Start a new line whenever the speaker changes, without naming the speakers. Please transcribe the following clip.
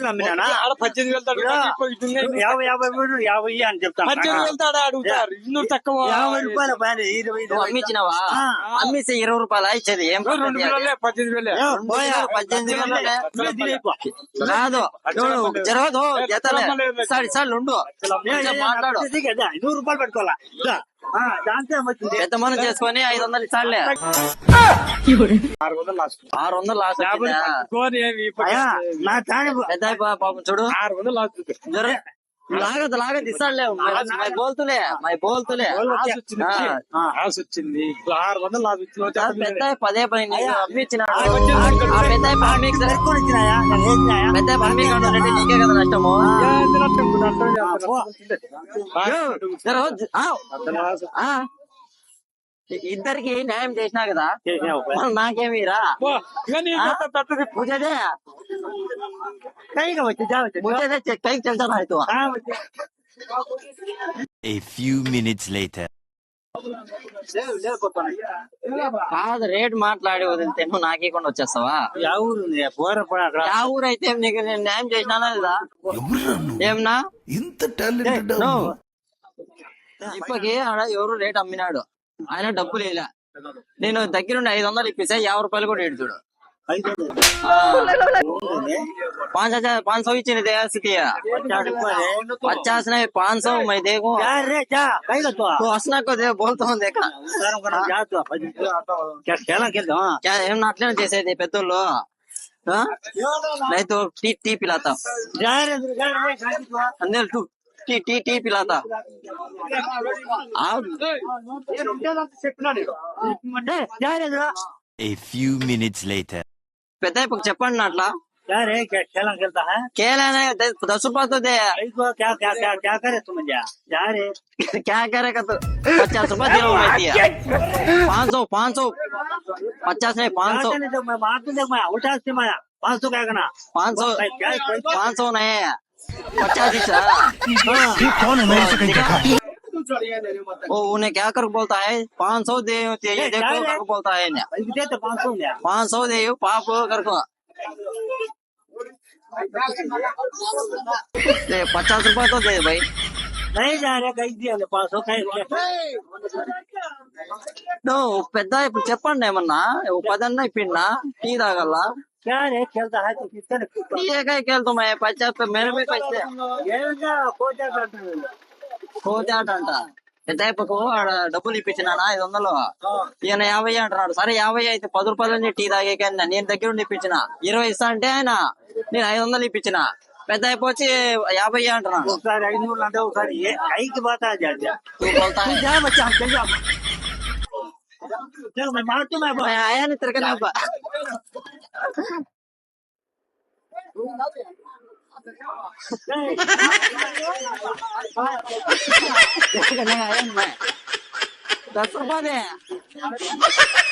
అమ్మినానా
ఆడ 18,000
యాభై యాభై మూడు యాభై అని చెప్తాను
18,000 అడుగుతారు ఇన్నూరు తక్కువ
50 రూపాయలు పైన 20
అమ్మించినావా అమ్మిస్తే 20 రూపాయలు ఇచ్చేది ఏం
2,000 18,000
18,000 కాదు జరగదు సార్లు ఉండు మాట్లాడు
100 రూపాయలు పెట్టుకోవాలా దాంతో
పెద్ద మనం చేసుకొని 500 ఇస్తాడులే
600 లాస్ట్
600 లాస్ట్
నా తాడి
పెద్ద పాపం చూడు
600 లాస్ట్
लागत ఇస్తాడులే బోల్తులే
ఆశ వచ్చింది 600 లాస్ట్
పెద్ద పదే పని అమ్మిచ్చినాడు పెద్ద పని నీకే కదా నష్టము ఇద్దరికి న్యాయం చేసినా కదా నాకేమీరా मुझे कई चलता रहा तो
A few minutes later.
కాదు రేట్ మాట్లాడి వదిలితే నువ్వు నాకేకుండా వచ్చేస్తావా ఆ ఊరు అయితే నీకు నేను న్యాయం చేసినానా లేదా ఏమన్నా
ఇంత టాలెంటెడ్
ఇప్పటికి ఆడ ఎవరు రేట్ అమ్మినాడు ఆయన డబ్బులు వేయలే నేను దగ్గరుండి 500 ఇప్పిస్తే 50 రూపాయలు కూడా ఏడుచుడు 500 इच्छी दे स्थिति 50 नहीं 500 मैं देखूं तो हंसना को दे बोलता हूँ देखा क्या हम नाटले जैसे थे पेट्रोल नहीं तो टी पिलाता अंदर तू टी पिलाता
A few minutes later.
పెద్ద చెప్పండి నా అట్లా
खेलता है
खेला नहीं 10 रुपया तो दे
क्या करे तुम जा रे
क्या करेगा तो 50 रुपया दिलो मैं दिया 500 50 नहीं 500
मैं मार दूं देख मैं उल्टा से मैं 500 क्या करना
500 नहीं 50 ही
कौन है मेरे से कहीं का
वो उन्हें क्या कर बोलता है 500 दे देखो कर बोलता है 500 दे पाप कर को 50 रुपया तो दे भाई
नहीं जा रहे कहीं दिया 500
नो పెద్ద ఇప్పుడు చెప్పండి ఏమన్నా 10 అన్న ఇప్పిన్నా టీ తాగల్లా
क्या रे खेलता है तो किसका
టీ ఏకాయ కేళ్తా मैं 50 मेरे में पैसे కోజాట అంట పెద్దయ్యకు డబ్బులు ఇప్పించినానా 500 ఈయన 50 అంటున్నాడు సరే 50 అయితే 10 రూపాయలు టీ తాగే నేను దగ్గర ఉండి ఇప్పించిన 20 ఇస్తా అంటే ఆయన నేను 500 ఇప్పించిన పెద్దయ్యకు వచ్చి 50 అంటున్నాడు
ఒకసారి 500 అంటే ఒకసారి ఐకి బాతా जा
बोलता है
जा बच्चा हम चल जाओ चल मैं मारता मैं
आया नहीं तेरे का मैं 10 रुपया दे